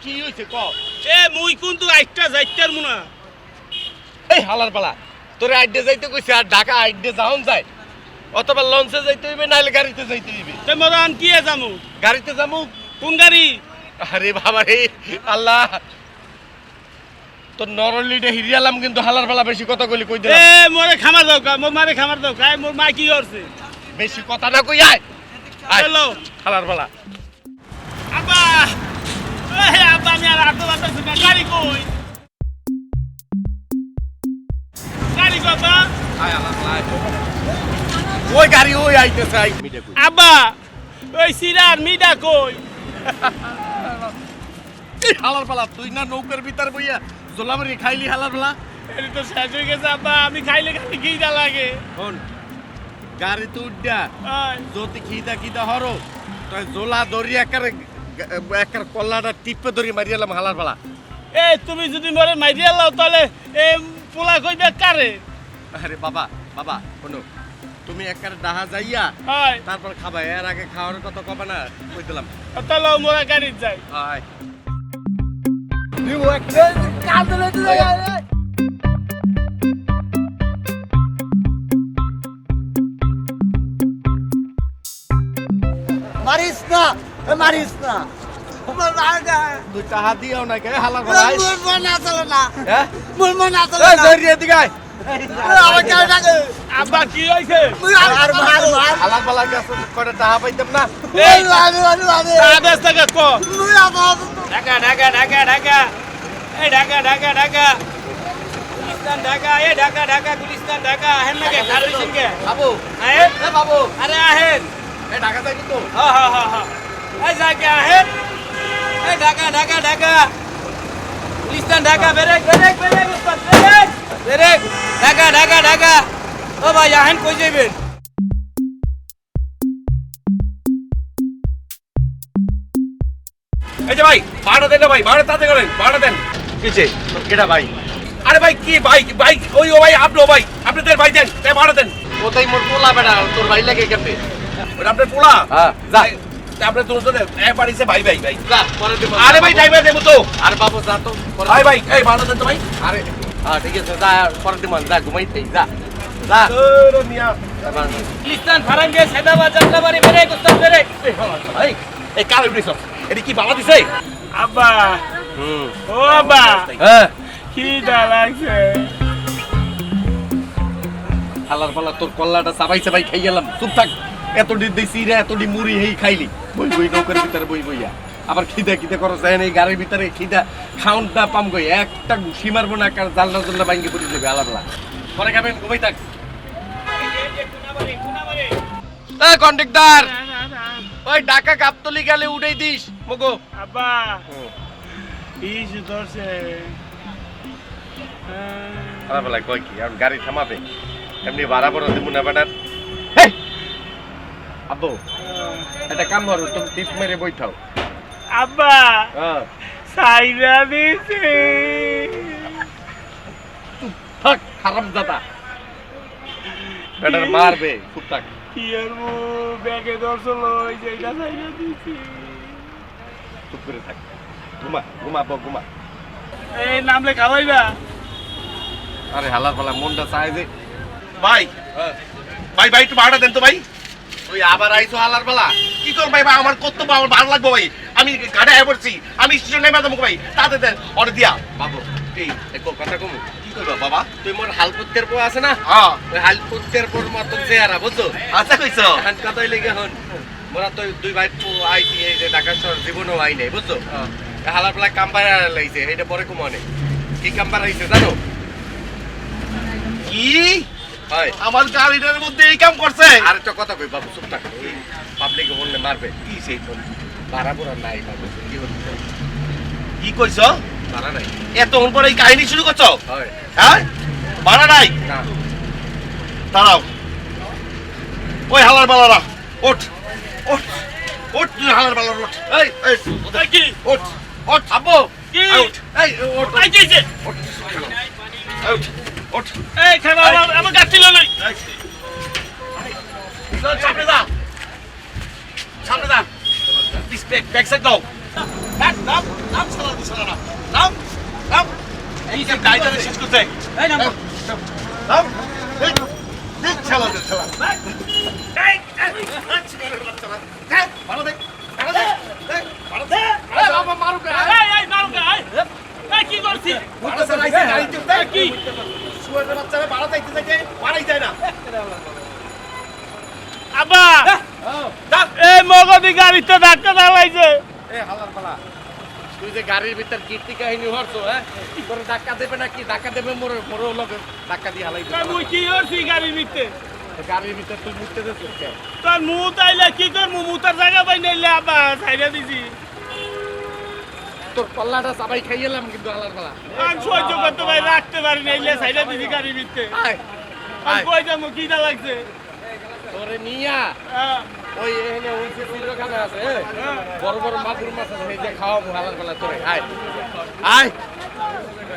কি হইছে ক এ মুই কিন্তু আইটা যাইতার মুনা এই হালার পালা তোরে আইডে যাইতে কইছে আর ঢাকা আইডে যাওন যায় অথবা লঞ্চে যাইতে হইবে নাইলে গাড়িতে যাইতে হইবে তে মোরা আন কি যামু গাড়িতে যামু কোন গাড়ি আরে বাবা রে আল্লাহ তোর নরলিডে হিরিয়ালাম কিন্তু হালার পালা বেশি কথা কইলি কই দিলাম এ মোরে খামার দাও কা মোর মারে খামার দাও কাই মোর মা কি করছে বেশি কথা না কই আয় হ্যালো হালার পালা আব্বা এ আব্বা আমি আর আটো বাতাছি না গাড়ি কই গাড়ি কথা আয় হালার পালা ওই গাড়ি ওই আইতেছে আই মিডে কই আব্বা ওই সিরার মিডা কই হালার পালা তুই না নৌকার ভিতর বইয়া জোলামারি খাইলি হালার পালা এর তো শেষ হয়ে গেছে আব্বা আমি খাইলে খালি খিদা লাগে শোন গাড়িতে উঠা আয় যদি খিদা হরো তাই জোলা ধরি একার কল্লাটা টিপে ধরি মারিয়ালাম হালার পালা এ তুমি যদি মরে মাইরিয়া লাও তাহলে এ পোলা কইবে কারে আরে বাবা বাবা শোনো তুমি একার ডাহা যাইয়া হয় তারপর খাবা এর আগে খাওয়ার কথা কবে না কই দিলাম তাহলে মোরা গাড়ি যাই আয় মারিস না মারিস না দুই টাহা দিও না কে হালার পালা হ্যাঁ মুল মন আসলে এই ধরি এদিকে আয় আমার কেন ডাকে আব্বা কি হইছে আর মার মার হালার পালা গেছে করে টাহা পাইতাম না এই আমি আদেশ থেকে ক মুই আমার ঢাকা ঢাকা ঢাকা ঢাকা এই ঢাকা ঢাকা ঢাকা গুলিস্তান ঢাকা এই ঢাকা ঢাকা গুলিস্তান ঢাকা আহেন নাকি খালি সিংকে বাবু আহেন এ বাবু আরে আহেন এ ঢাকা যাইবি তো হা হা হা হা এই যাকে আহেন এই ঢাকা ঢাকা ঢাকা গুলিস্তান ঢাকা বেরেক বেরেক বেরেক উস্তাদ বেরেক বেরেক ঢাকা ঢাকা ঢাকা ও ভাই আহেন কই যাইবেন এই যে ভাই ভাড়া দেন না ভাই ভাড়া তাতে করেন ভাড়া দেন কিছে কেডা ভাই আরে ভাই কি ভাই ভাই ওই ও ভাই আপনি ভাই আপনাদের ভাই দেন তাই ভাড়া দেন কোথায় মোর পোলা বেটা তোর ভাই লাগে কেমনে ওটা আপনার পোলা হ্যাঁ যা আপনার দুজন এক বাড়িছে ভাই ভাই ভাই যা পরে দেব আরে ভাই ড্রাইভার দেবো তো আরে বাবু যা তো পরে ভাই ভাই এই ভাড়া দেন তো ভাই আরে হ্যাঁ ঠিক আছে যা পরে দেব যা ঘুমাইতে যা যা তোর মিয়া গুলিস্তান ফারাঙ্গে সাদাবাদ জানলাবাড়ি বেরেক উস্তাদ বেরেক ভাই এই কার উঠেছ এটা কি বাবা দিছে আব্বা হুম ও আব্বা হ্যাঁ খিদা লাগছে হালার পালা তোর কল্লাটা চাবাই চাবাই খাই গেলাম চুপ থাক এতটি দিছি রে এতটি মুড়ি হেই খাইলি বই বই নৌকার ভিতরে বই বইয়া আবার খিদা খিদা করো যায় এই গাড়ির ভিতরে খিদা খাউনটা পাম গই একটা ঘুষি মারবো না কার জালনা জালনা ভাঙ্গি পড়ে যাবে আলাদা পরে খাবেন ঘুমাই থাক এই কন্ডাক্টর ওই ঢাকা গাবতলি গেলে উড়াই দিস মগো আব্বা ইস ধরছে খারাপ লাগে কই কি আর গাড়ি থামাবে এমনি ভাড়া বড় দিব না বেটার আব্বু এটা কাম করো তুমি টিপ মেরে বইঠাও আব্বা হ্যাঁ সাইরা দিছে থাক খারাপ দাদা বেটার মারবে চুপ থাক কি আর ব্যাগে ধরছিল ওই যে এটা সাইরা দিছে চুপ করে থাক ঘুমা ঘুমাবো ঘুমা এই নামলে খাওয়াইবা আরে হালার পালা মনটা চায় যে ভাই ভাই ভাই একটু ভাড়া দেন তো ভাই তুই আবার আইছো হালার পালা কি করব ভাই আমার কর্তব্য আমার ভালো লাগবে ভাই আমি গাড়ি আয় পড়ছি আমি স্টেশনে নেমে যাবো ভাই তাতে দেন অর্ডার দিয়া বাবু এই দেখো কথা কমু কি করবা বাবা তুই মোর হালপুত্তের পো আছে না হ্যাঁ ওই হালপুত্তের পোর মতন চেহারা বুঝছো আচ্ছা কইছো এখন কথাই লেগে হন মোরা তো দুই ভাই আইছি এই যে ঢাকা শহর জীবনও আই নাই বুঝছো হালার পালা কাম্বার লাইছে এটা পরে কমনে কি কাম্বার আইছে জানো কি হয় আমার গাড়িটার মধ্যে এই কাম করছে আর একটা কথা কই বাবু চুপ থাক এই পাবলিকে বললে মারবে কি সেই ফোন ভাড়া পুরা নাই বাবু কি হচ্ছে কি কইছো ভাড়া নাই এতক্ষণ পরে এই কাহিনী শুরু করছো হয় হ্যাঁ ভাড়া নাই না দাঁড়াও ওই হালার বালারা ওঠ ওঠ ওঠ তুই হালার বালার ওঠ এই এই এই কি ওঠ ওঠ আব্বু কি ওঠ এই ওঠ এই কি যে ওঠ ওঠ ওঠ এই খাবা আমার গাছ ছিল না সামনে যা সামনে যা ব্যাক সাইড দাও নাম নাম শালা দি শালা নাম নাম এই যে গাইডারে শেষ করতে এই নাম নাম এই দেখ শালা দে শালা এই ভালো দেখ ভালো দেখ ভালো দেখ বাবা মারুক এই মারুকা এই কি করছিস ভালো চালাইছে গাড়ি চলতে কি শুয়ারের বাচ্চারা ভাড়া যাইতে যাইতে ভাড়াই যায় না আব্বা এই মগদি গাড়িতে ধাক্কা দাঁড়াইছে এ হালার পালা তুই যে গাড়ির ভিতর কীর্তি কাহিনী হরছো হ্যাঁ কি করে ধাক্কা দেবে না কি ধাক্কা দেবে মোর মোর লগে ধাক্কা দিয়ে হালাই দিবে মুই কি করছি গাড়ির ভিতরে গাড়ির ভিতর তুই মুততে দে কে তোর মুখ তাইলে কি তোর মুতার জায়গা পাই নাইলে আব্বা ছাইড়া দিছি তোর কল্লাটা সবাই খাইয়েলাম কিন্তু হালার পালা আমি সহ্য করতে পারি রাখতে পারি নাইলে ছাইড়া দিছি গাড়ির ভিতরে আয় আমি আয় কই যাবো কিটা লাগছে তোরে নিয়া হ্যাঁ, ওই এখানে ওই যে চিড়খানা আছে হ্যাঁ। বড় বড় মাগুর মাছ আছে এই যে খাওয়াবো হালার পালা তোরে আয় আয়